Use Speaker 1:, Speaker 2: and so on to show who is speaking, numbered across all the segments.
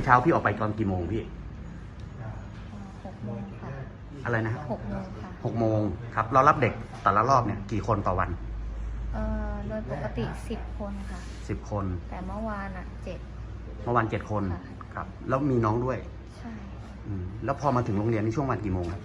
Speaker 1: เช้าพี่ออกไปตอนกี่โมงพี่
Speaker 2: 6 โมงค่ะ
Speaker 1: อะไรนะ
Speaker 2: 6 โมงค่ะ
Speaker 1: 6 โมงครับ เรารับเด็กแต่ละรอบเนี่ยกี่คนต่อวัน
Speaker 2: โดยปกติ10 คนค่ะ
Speaker 1: 10 คน
Speaker 2: แต่เมื่อวาน7
Speaker 1: เมื่อวัน7 คน
Speaker 2: ค่ะ
Speaker 1: ครับ แล้วมีน้องด้วย
Speaker 2: ใช่
Speaker 1: แล้วพอมาถึงโรงเรียนในช่วงวันกี่โมงครับ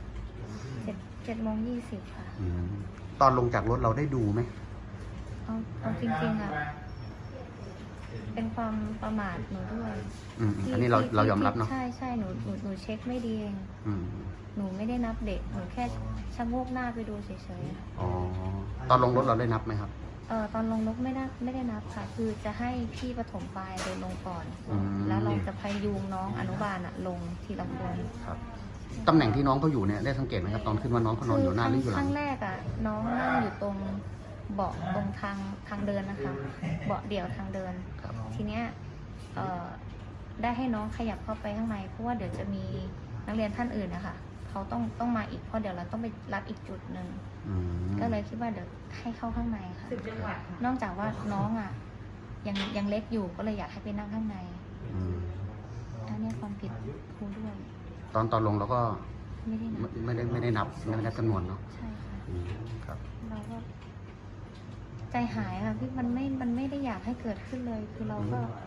Speaker 2: 7 โมง 20ค่ะ
Speaker 1: ตอนลงจากรถเราได้ดูไหม
Speaker 2: เอาจริงๆเป็นความประมาทหนูด้วย
Speaker 1: อันนี้เรายอมรับเนาะ
Speaker 2: ใช่หนูเช็คไม่ดีเอง หนูไม่ได้นับเด็ก หนูแค่ชะโงกหน้าไปดูเฉยๆค่ะ
Speaker 1: อ๋อ ตอนลงรถเราได้นับไหมครับ
Speaker 2: ตอนลงรถไม่ได้นับค่ะ คือจะให้พี่ปฐมปลายเดินลงก่อน แล้วเราจะพยุงน้องอนุบาลลงทีละคน
Speaker 1: ครับ ตำแหน่งที่น้องเขาอยู่เนี่ยได้สังเกตไหมครับตอนขึ้นว่าน้องเขานอนอยู่หน้าหรืออยู่ห
Speaker 2: ค
Speaker 1: ลั
Speaker 2: รั้
Speaker 1: ง
Speaker 2: งแรกน้องนั่งอยู่ตรงเบาะตรงทางเดินนะคะ เบาะเดี่ยวทางเดิน
Speaker 1: ครับ
Speaker 2: ทีเนี้ยได้ให้น้องขยับเข้าไปข้างในเพราะว่าเดี๋ยวจะมีนักเรียนท่านอื่นนะคะเขาต้องมาอีกเพราะเดี๋ยวเราต้องไปรับอีกจุดหนึ่งก็เลยคิดว่าเดี๋ยวให้เข้าข้างในค่ะนอกจากว่าน้องยังเล็กอยู่ก็เลยอยากให้ไปนั่งข้างในอันนี้ความผิดครูด้วย
Speaker 1: ตอนลงเราก็
Speaker 2: ไม่ได้นับ
Speaker 1: ไม่ได้นับจำนวนเนาะ
Speaker 2: ใช่ค่ะ
Speaker 1: ครับ
Speaker 2: เราก็ใจหายค่ะพี่มันไม่ได้อยากให้เกิดขึ้นเลย คือเรา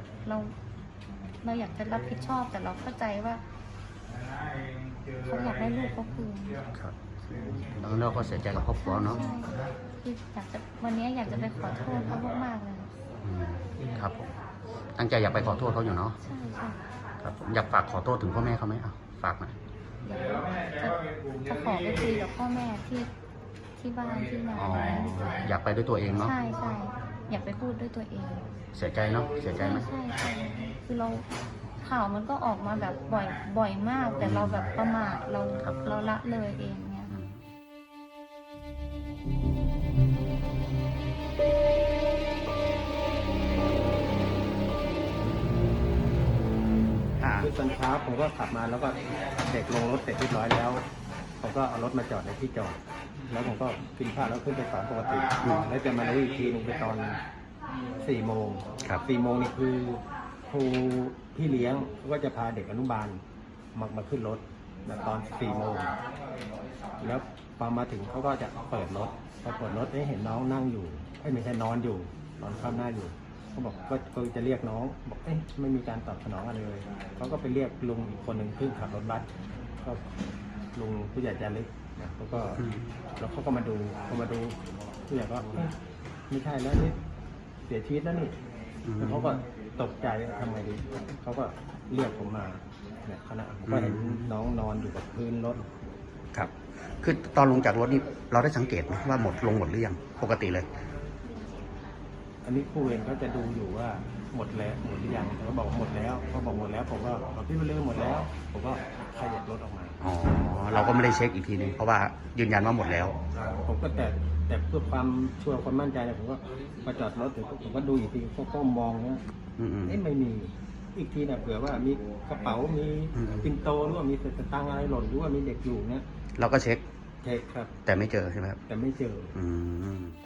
Speaker 2: อยากจะรับผิดชอบแต่เราเข้าใจว่าเขาอยากได้ลูกเขาคืน
Speaker 1: ครับแล้วเราก็เสียใจกับครอบครัวเนาะ
Speaker 2: ใช่คือวันนี้อยากจะไปขอโทษเขามากๆเลย
Speaker 1: ครับผมตั้งใจอยากไปขอโทษเขาอยู่เนาะ
Speaker 2: ใช่ใช่
Speaker 1: ครับผมอยากฝากขอโทษถึงพ่อแม่เขาไหมฝากหน่อย
Speaker 2: เดี๋ยวจะขอไปคุยกับพ่อแม่ที่บ้านที่ไหนดีกว่า
Speaker 1: อยากไปด้วยตัวเองเนาะ
Speaker 2: ใช่อยากไปพูดด้วยตัวเอง
Speaker 1: เสียใจเนาะเสียใจไหม
Speaker 2: ใช่คือเราข่าวมันก็ออกมาแบบบ่อยมาก แต่เราแบบประมาทเราละเลยเองเนี่ย
Speaker 3: คือตอนเช้าผมก็ขับมาแล้วก็เด็กลงรถเสร็จเรียบร้อยแล้วผมก็เอารถมาจอดในที่จอดแล้วผมก็กินข้าวแล้วขึ้นไปสอนปกติแล้วจะมารู้อีกทีนึงไปตอน4 โมง 4 โมงนี่คือครูพี่เลี้ยงก็จะพาเด็กอนุบาลมาขึ้นรถตอน4 โมงแล้วพอมาถึงเขาก็จะเปิดรถพอเปิดรถเห็นน้องนั่งอยู่ไม่ใช่นอนอยู่นอนคว่ำหน้าอยู่เขาบอกก็จะเรียกน้องบอกไม่มีการตอบสนองอะไรเลยเขาก็ไปเรียกลุงอีกคนหนึ่งขึ้นขับรถบัสก็ลุงผู้ใหญ่จารึกนะเขาก็แล้วเขาก็มาดูผู้ใหญ่ก็ไม่ใช่แล้วนี่เสียชีวิตแล้วนี่แล้วเขาก็ตกใจทำไงดีเขาก็เรียกผมมาเนี่ยขณะผมก็เห็นน้องนอนอยู่กับพื้นรถ
Speaker 1: ครับคือตอนลงจากรถนี่เราได้สังเกตไหมว่าหมดหรือยังปกติเลย
Speaker 3: อันนี้ครูเองเขาจะดูอยู่ว่าหมดแล้วหมดหรือยังเขาบอกหมดแล้วเขาบอกหมดแล้วผมก็พี่ไปเรื่องหมดแล้วผมก็ขยับรถออกมา
Speaker 1: อ๋อเราก็ไม่ได้เช็คอีกทีนึงเพราะว่ายืนยันว่าหมดแล้ว
Speaker 3: ผมก็แต่เพื่อความชัวร์ความมั่นใจเนี่ยผมก็มาจอดรถเดี๋ยวผมก็ดูอีกทีก็มองเนี่ยไม่มีอีกทีเนี่ยเผื่อว่ามีกระเป๋ามีปิ่นโตหรือว่ามีสตางค์อะไรหล่นหรือว่ามีเด็กอยู่เนี่ย
Speaker 1: เราก็เช็ค
Speaker 3: เช็คครับ
Speaker 1: แต่ไม่เจอใช่ไหมครับ
Speaker 3: แต่ไม่เจอ
Speaker 1: อืม